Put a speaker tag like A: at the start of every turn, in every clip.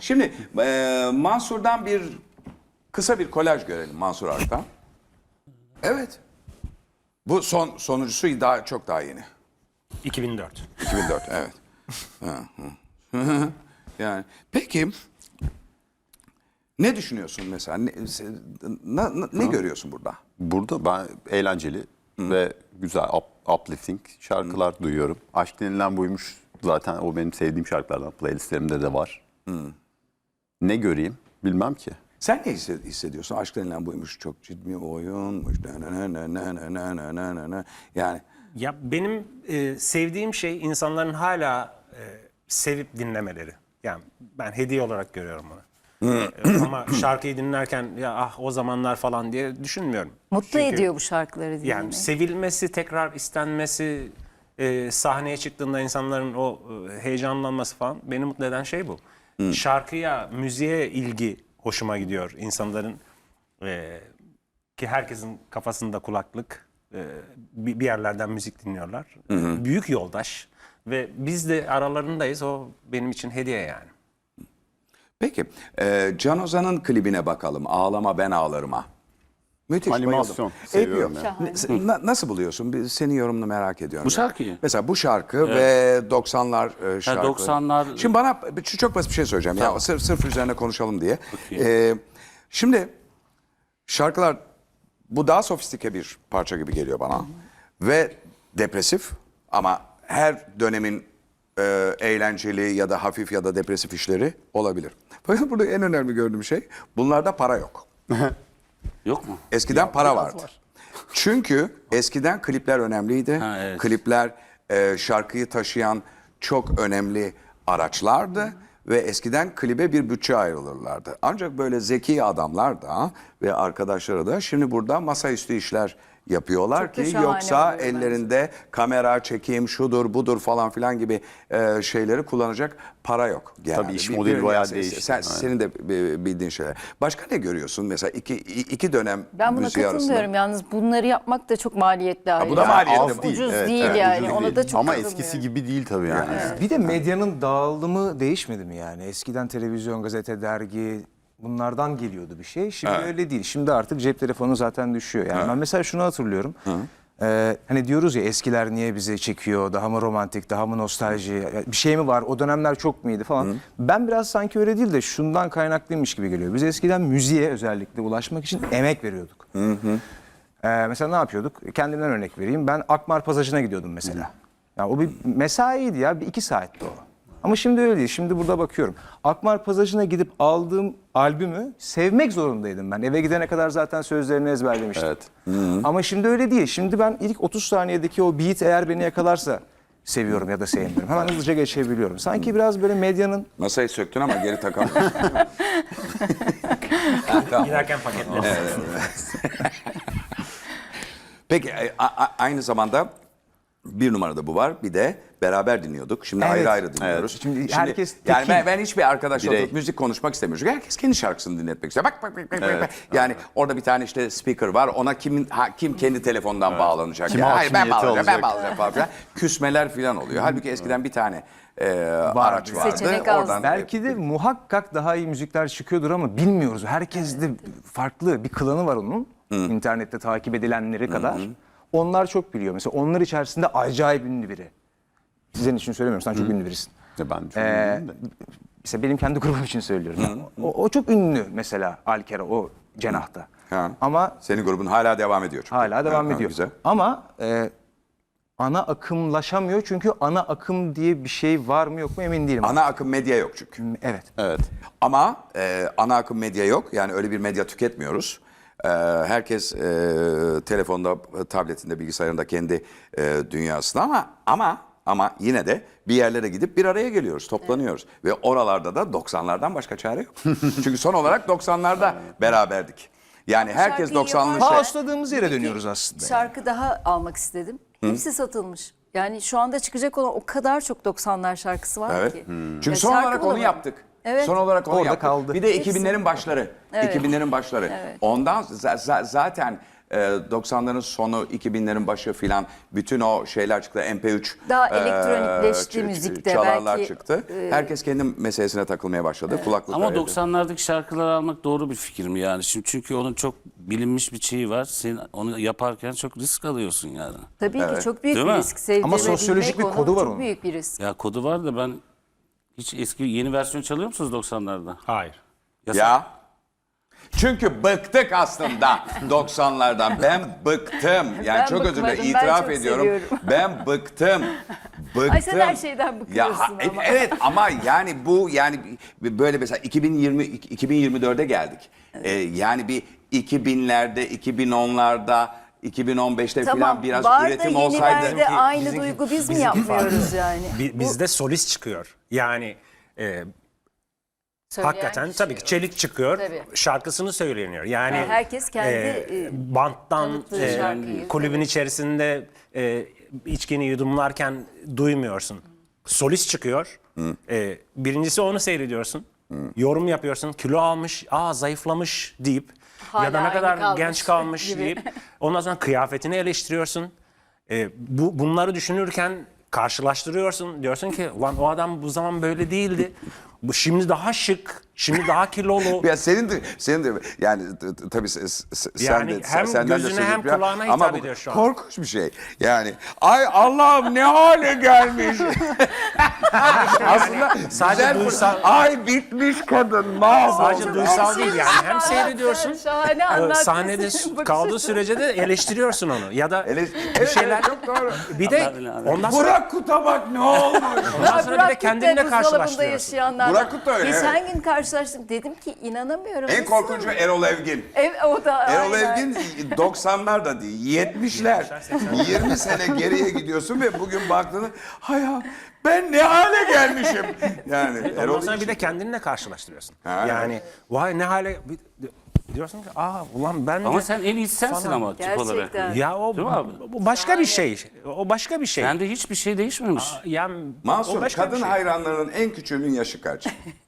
A: Şimdi Mansur'dan kısa bir kolaj görelim Mansur Ark'tan. Evet. Bu sonuncusu çok daha yeni.
B: 2004.
A: 2004 evet. Yani peki ne düşünüyorsun mesela? Ne görüyorsun burada?
C: Burada ben eğlenceli ve güzel uplifting şarkılar duyuyorum. Aşk denilen buymuş zaten, o benim sevdiğim şarkılardan, playlistlerimde de var. Ne göreyim bilmem ki.
A: Sen ne hissediyorsun? Aşk denilen buymuş, çok ciddi oyunmuş. Yani
B: Ya benim sevdiğim şey insanların hala sevip dinlemeleri. Yani ben hediye olarak görüyorum bunu. Ama şarkıyı dinlerken ya ah o zamanlar falan diye düşünmüyorum.
D: Mutlu
B: Çünkü
D: ediyor bu şarkıları dinlemek.
B: yani sevilmesi, tekrar istenmesi, sahneye çıktığında insanların o heyecanlanması falan beni mutlu eden şey bu. Şarkıya, müziğe ilgi hoşuma gidiyor insanların. Ki herkesin kafasında kulaklık, bir yerlerden müzik dinliyorlar. Büyük yoldaş ve biz de aralarındayız. O benim için hediye yani.
A: peki Can Ozan'ın klibine bakalım. Ağlama ben ağlarıma. Müthiş.
C: Animasyon
A: bayıldım.
C: seviyorum
A: Yapıyor. Nasıl buluyorsun? Senin yorumunu merak ediyorum.
E: Bu şarkıyı?
A: Mesela bu şarkı ve 90'lar şarkı.
E: 90'lar.
A: Şimdi bana çok basit bir şey söyleyeceğim.
E: Tamam.
A: Ya sırf üzerine konuşalım diye.
E: Okey.
A: Şimdi şarkılar, bu daha sofistike bir parça gibi geliyor bana. Ve depresif, ama her dönemin eğlenceli ya da hafif ya da depresif işleri olabilir. Fakat burada en önemli gördüğüm şey, bunlarda para yok.
E: Yok mu?
A: Eskiden para vardı. Çünkü eskiden klipler önemliydi.
E: Ha, evet.
A: Klipler şarkıyı taşıyan çok önemli araçlardı. Ve eskiden klibe bir bütçe ayrılırlardı. Ancak böyle zeki adamlar da ve arkadaşları da şimdi burada masaüstü işler yapıyorlar
D: Çok da
A: ki
D: şahane
A: yoksa
D: oluyor
A: ellerinde kamera, çekim, şudur budur falan filan gibi şeyleri kullanacak para yok.
C: Tabii iş modeli bayağı değişti.
A: Senin de bildiğin şeyler. Başka ne görüyorsun? Mesela iki dönem
D: Ben buna
A: müziği
D: katılmıyorum.
A: arasında.
D: Yalnız bunları yapmak da çok maliyetli ayrıca.
A: bu da maliyetli.
C: Az değil.
D: Ucuz
C: Evet,
D: değil
C: evet,
D: yani.
C: ucuz
D: Ona
C: değil.
D: da çok
C: Ama
D: katılmıyorum.
C: eskisi gibi değil tabii yani.
F: Bir de medyanın dağılımı değişmedi mi yani? Eskiden televizyon, gazete, dergi bunlardan geliyordu bir şey. Şimdi öyle değil. Şimdi artık cep telefonu zaten düşüyor. Yani ben mesela şunu hatırlıyorum. Hani diyoruz ya, eskiler niye bizi çekiyor? Daha mı romantik, daha mı nostalji? Bir şey mi var? O dönemler çok muydu falan. Ben biraz sanki öyle değil de şundan kaynaklıymış gibi geliyor. Biz eskiden müziğe özellikle ulaşmak için emek veriyorduk. Mesela ne yapıyorduk? Kendimden örnek vereyim. Ben Akmar Pasajı'na gidiyordum mesela. Ya o bir mesaiydi ya. Bir 2 saatti o. Ama şimdi öyle değil. Şimdi burada bakıyorum. Akmar Pasajı'na gidip aldığım albümü sevmek zorundaydım ben. Eve gidene kadar zaten sözlerini ezberlemiştim.
C: Evet.
F: Ama şimdi öyle değil. Şimdi ben ilk 30 saniyedeki o beat eğer beni yakalarsa seviyorum ya da sevmiyorum. Hemen hızlıca geçebiliyorum. Sanki biraz böyle medyanın...
A: Masayı söktün ama geri takamıyorsun. Tamam.
B: Giderken paketler.
A: Peki aynı zamanda bir numarada bu var. Bir de beraber dinliyorduk. Şimdi ayrı ayrı dinliyoruz.
F: Evet. Şimdi herkes
A: yani
F: tekil.
A: ben hiçbir arkadaşla
C: Birey.
A: oturup müzik konuşmak istemiyorum. Çünkü herkes kendi şarkısını dinletmek istiyor. Bak. Yani orada bir tane işte speaker var. Ona kim kendi telefondan bağlanacak?
C: Kim
A: Yani, hayır ben
C: hakimiyeti
A: bağlayacağım, ben
C: alacak?
A: bağlayacağım falan filan. Küsmeler falan oluyor. Halbuki eskiden bir tane araç vardı.
D: Seçenek az.
A: Oradan
F: Belki de muhakkak daha iyi müzikler çıkıyordur ama bilmiyoruz. Herkes de farklı bir klanı var onun. İnternette takip edilenleri kadar. Onlar çok biliyor. Mesela onlar içerisinde acayip ünlü biri. Sizin için söylemiyorum. Sen çok ünlü birisin.
C: Ben çok ünlüyüm de.
F: Mesela benim kendi grubum için söylüyorum. O çok ünlü mesela Alkera, o cenahta.
A: Ha.
F: Ama
A: Senin grubun hala devam ediyor çünkü.
F: hala devam
A: Ha,
F: ediyor.
A: Güzel.
F: Ama ana akımlaşamıyor çünkü ana akım diye bir şey var mı yok mu emin değilim.
A: Ana akım medya yok çünkü.
F: Evet.
C: Evet.
A: Ama ana akım medya yok. Yani öyle bir medya tüketmiyoruz. Herkes telefonda, tabletinde, bilgisayarında kendi dünyasında, ama yine de bir yerlere gidip bir araya geliyoruz, toplanıyoruz. Ve oralarda da 90'lardan başka çare yok. Çünkü son olarak 90'larda beraberdik. Yani herkes
D: Şarkıyı
A: 90'lı
D: yaparken-
A: şey.
F: Pausladığımız yere
D: Bir iki
F: dönüyoruz aslında.
D: Şarkı daha almak istedim. Hepsi satılmış. Yani şu anda çıkacak olan o kadar çok 90'lar şarkısı var
A: Evet.
D: ki.
A: Çünkü
D: Ya
A: son
D: şarkı
A: olarak onu
D: bulamadım.
A: yaptık.
D: Evet.
A: Son olarak onu
F: Orada
A: yaptık.
F: kaldı.
A: Bir de
D: Hepsi.
A: 2000'lerin başları.
D: Evet.
A: 2000'lerin başları.
D: Evet.
A: Ondan zaten 90'ların sonu 2000'lerin başı filan bütün o şeyler çıktı. MP3
D: Daha elektronikleşti müzikte
A: çalarlar
D: belki,
A: çıktı. Herkes kendi meselesine takılmaya başladı. Kulaklıklar
E: Ama
A: evde.
E: 90'lardaki şarkıları almak doğru bir fikir mi yani? Şimdi çünkü onun çok bilinmiş bir şeyi var. Sen onu yaparken çok risk alıyorsun yani.
D: Tabii ki çok büyük
E: Değil
D: bir
E: mi?
D: risk. Sevdirme
F: Ama sosyolojik
D: bilmek
F: bir kodu var
D: çok
F: onun.
D: büyük bir risk.
E: Ya kodu var da ben hiç eski yeni versiyon çalıyor musunuz 90'larda?
B: Hayır.
A: Ya. Çünkü bıktık aslında 90'lardan. Ben bıktım. Yani
D: Ben
A: çok özür dilerim.
D: bıkmadım, ben
A: İtiraf
D: çok
A: ediyorum.
D: seviyorum.
A: Ben bıktım. Bıktım.
D: Ay sen her şeyden bıkıyorsun ama.
A: Evet ama yani bu yani böyle mesela 2024'e geldik. Yani bir 2000'lerde, 2010'larda, 2015'te
D: Tamam,
A: falan biraz
D: var da
A: üretim olsaydı.
D: yenilerde aynı
B: Bizimki-
D: duygu biz mi
B: bizimki
D: yapmıyoruz yani?
B: Bizde solist çıkıyor. Yani
D: Söyleyen
B: hakikaten
D: kişi.
B: tabii ki Çelik çıkıyor,
D: Tabii.
B: şarkısını söyleniyor. Yani
D: herkes kendi,
B: banttan
D: tanıttığı şarkıyı,
B: kulübün içerisinde içkini yudumlarken duymuyorsun. Solist çıkıyor. Birincisi onu seyrediyorsun. Yorum yapıyorsun. Kilo almış, zayıflamış deyip
D: Hala
B: ya da ne
D: aynı
B: kadar
D: kalmış
B: genç kalmış
D: gibi.
B: deyip ondan sonra kıyafetini eleştiriyorsun. Bunları düşünürken karşılaştırıyorsun. Diyorsun ki ulan o adam bu zaman böyle değildi. Bu şimdi daha şık, şimdi daha kilolu.
A: Ya senin de yani tabii sen
B: Yani
A: de
B: hem
A: senden de
B: gözüne
A: söz
B: hem
A: ediyorum.
B: kulağına
A: Ama
B: hitap
A: bu
B: ediyor şu an.
A: korkunç bir şey. Yani ay Allah'ım ne hale gelmiş. Aslında
B: sadece
A: güzel
B: duysal-
A: ay bitmiş kadın mahvoldu.
B: Sadece duysal değil yani. Hem seyrediyorsun,
D: Şahane anlattın.
B: sahnede
D: Senin bakış
B: kaldığı
D: açın.
B: sürece de eleştiriyorsun onu. Ya da
A: Evet,
B: bir şeyler.
A: çok doğru.
B: Bir de ondan sonra,
A: Burak Kut'a bak ne olmuş.
B: ondan sonra bir de
D: Burak Kut'la
B: kendinle
D: buzdolabında
B: karşılaştırıyorsun.
D: yaşayanlardan.
A: Burak Kut da öyle,
D: Geçen gün karşılaştık. Dedim ki inanamıyorum.
A: En
D: Nasıl?
A: korkuncu Erol Evgin.
D: O da
A: Erol
D: aynen.
A: Evgin 90'lar da değil 70'ler. 20 sene geriye gidiyorsun ve bugün baktığında hay ya ben ne hale gelmişim. Yani
B: Ondan
A: Erol
B: sonra bir
A: için-
B: de kendinle karşılaştırıyorsun.
A: Ha,
B: Yani vay ne hale diyorsun ki ulan ben
E: Ama
B: de
E: sen en iyisi sensin
B: Falan.
E: ama tip olarak.
D: Gerçekten.
B: ya o
E: Değil mi abi?
B: bu başka bir şey. O başka bir şey.
E: Sende hiçbir şey değişmemiş.
B: Yani o
A: Mansur
B: başka bir
A: kadın
B: şey.
A: hayranlarının en küçüğünün yaşı kaç?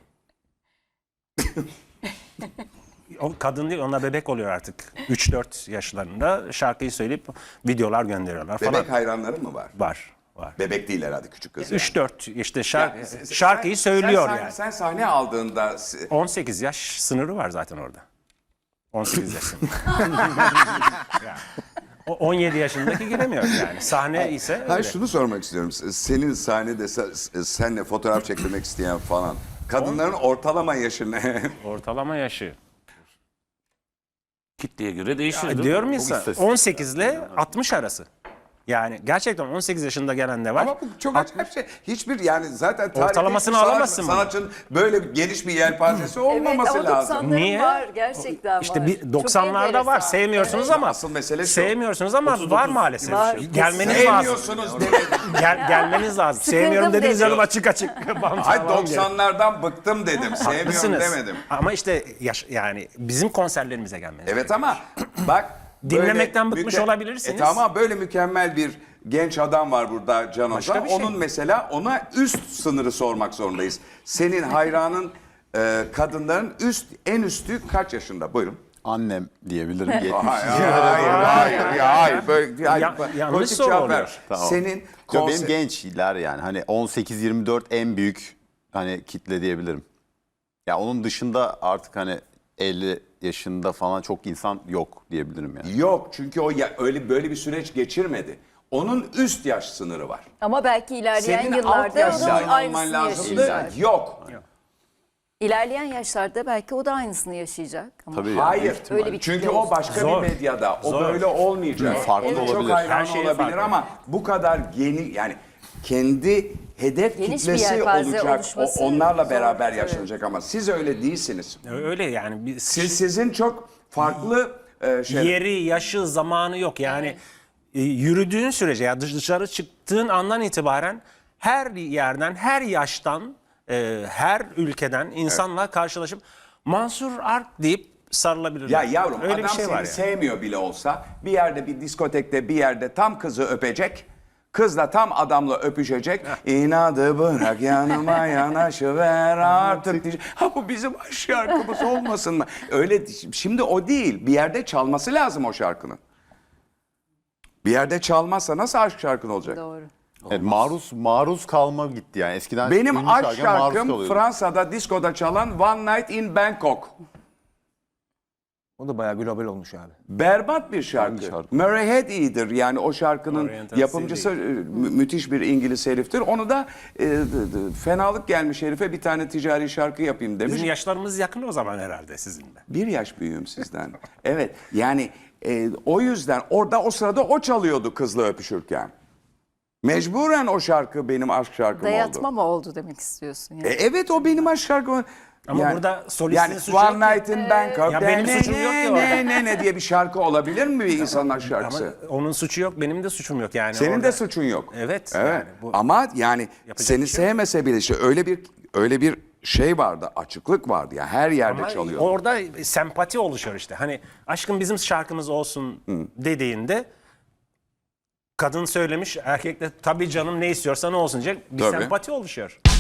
B: O kadın değil, onlar bebek oluyor artık. 3-4 yaşlarında şarkıyı söyleyip videolar gönderiyorlar falan.
A: Bebek hayranların mı var?
B: Var.
A: Bebek değil herhalde küçük kız. yani.
B: 3-4 işte
A: Ya,
B: şarkıyı söylüyor
A: sen,
B: yani.
A: Sen sahne aldığında
B: 18 yaş sınırı var zaten orada. 18 yaş sınırı. Yani. O 17 yaşındaki giremiyor yani. Sahne ise öyle.
A: hayır şunu sormak istiyorum. Senin sahnede senle fotoğraf çektirmek isteyen falan. Kadınların ortalama yaşı ne?
B: Ortalama yaşı.
E: Kitleye göre değişir. değil mi?
B: Diyorum ya
C: Bu
B: sana,
C: istatistik.
B: 18 ile 60 arası. Yani gerçekten 18 yaşında gelen de var.
A: Ama bu çok acayip şey. Hiçbir yani zaten tarihte
B: Ortalamasını
A: hiçbir
B: alamazsın bunu.
A: sanatçının böyle geniş bir yelpazesi
D: Evet
A: olmaması
D: ama
A: lazım.
D: 90'ların
B: Niye?
D: var gerçekten
B: İşte
D: var.
B: bir
D: Çok
B: 90'larda var.
D: enteresan.
B: Sevmiyorsunuz
A: Evet.
B: ama
A: Asıl mesele şu.
B: sevmiyorsunuz ama var maalesef.
D: Var.
B: Gelmeniz lazım.
A: Sevmiyorsunuz demedim.
B: Gelmeniz lazım.
D: Sıkıldım
B: Sevmiyorum dediniz
D: dedi.
B: canım açık açık.
A: Ay 90'lardan bıktım dedim. Sevmiyorum
B: Haklısınız.
A: demedim.
B: Ama işte yani bizim konserlerimize gelmeniz.
A: Evet ama bak
B: Dinlemekten
A: böyle
B: bıkmış olabilirsiniz.
A: Tamam böyle mükemmel bir genç adam var burada Can
B: Başka
A: Hoca.
B: bir şey.
A: Onun mesela ona üst sınırı sormak zorundayız. Senin hayranın kadınların en üstü kaç yaşında? Buyurun.
C: Annem diyebilirim. 70.
A: Hayır. Böyle,
B: Yanlış
A: politik
B: soru
A: cevap ver.
B: oluyor.
C: Tamam.
A: Senin
C: Yo, benim gençler yani hani 18-24 en büyük hani kitle diyebilirim. Ya onun dışında artık hani 50 yaşında falan çok insan yok diyebilirim yani.
A: Yok çünkü o öyle böyle bir süreç geçirmedi. Onun üst yaş sınırı var.
D: Ama belki ilerleyen
A: Senin alt
D: yıllarda
A: yaşlı
D: onun
A: olman
D: aynısını
A: lazımdı.
D: yaşayacak.
A: Yok.
D: İlerleyen yaşlarda belki o da aynısını yaşayacak. Ama
C: Tabii yani,
A: Hayır.
C: büyük ihtimalle.
D: Öyle bir
A: Çünkü
D: kitle
A: o
D: olsun.
A: başka
B: Zor.
A: bir medyada. O
B: Zor.
A: böyle olmayacak.
C: Farklı
A: Onun
C: olabilir.
A: çok hayran
B: Her şeye
A: olabilir
B: farklı.
A: ama bu kadar yeni yani kendi hedef
D: Geniş bir
A: kitlesi
D: yelpaze
A: olacak.
D: oluşması
A: Onlarla
D: zor.
A: beraber
D: Evet.
A: yaşanacak ama siz öyle değilsiniz.
B: Öyle yani. Bir
A: Sizin çok farklı
B: yeri, yaşı, zamanı yok. Yani yürüdüğün sürece ya dışarı çıktığın andan itibaren her yerden, her yaştan, her ülkeden insanla karşılaşıp Mansur Ark deyip sarılabilirler.
A: Ya yavrum
B: öyle
A: adam
B: bir şey
A: seni
B: var yani.
A: sevmiyor bile olsa bir yerde bir diskotekte bir yerde tam kızı öpecek. Kız da tam adamla öpüşecek. İnadı bırak yanıma yanaşıver artık diyecek. Ha bu bizim aşk şarkımız olmasın mı? Öyle şimdi o değil. Bir yerde çalması lazım o şarkının. Bir yerde çalmazsa nasıl aşk şarkın olacak?
D: Doğru.
C: Evet, maruz kalma gitti yani. Eskiden
A: Benim
C: ünlü
A: aşk
C: şarkıya maruz
A: şarkım
C: kalıyordum.
A: Fransa'da diskoda çalan One Night in Bangkok.
F: O da bayağı global olmuş abi.
A: Berbat bir şarkı.
C: Hangi şarkı?
A: Murray Head iyidir. Yani o şarkının
B: Oriental
A: yapımcısı müthiş bir İngiliz heriftir. Onu da fenalık gelmiş herife bir tane ticari şarkı yapayım demiş.
B: Bizim yaşlarımız yakın o zaman herhalde sizinle.
A: Bir yaş büyüğüm sizden. Evet yani o yüzden orada o sırada o çalıyordu kızla öpüşürken. Mecburen o şarkı benim aşk şarkım
D: Dayatma
A: oldu.
D: mı oldu demek istiyorsun yani?
A: Evet o benim aşk şarkım.
B: Ama burada solistin
A: yani
B: suçu yok
A: One
B: ki.
A: Night in Bangkok.
B: Ya benim suçum yok ki orada.
A: Ne diye bir şarkı olabilir mi bir insanın aşk şarkısı?
B: Ama onun suçu yok, benim de suçum yok yani.
A: Senin
B: orada-
A: de suçun yok.
B: Evet,
A: Evet.
B: yani bu-
A: Ama yani
B: Yapacak
A: seni
B: bir şey yok.
A: sevmese bile işte öyle bir şey vardı, açıklık vardı ya her yerde
B: Ama
A: çalıyor.
B: orada sempati oluşuyor işte. Hani aşkım bizim şarkımız olsun dediğinde kadın söylemiş, erkek de tabii canım ne istiyorsan olsun diyecek. Bir
A: Tabii.
B: sempati oluşuyor.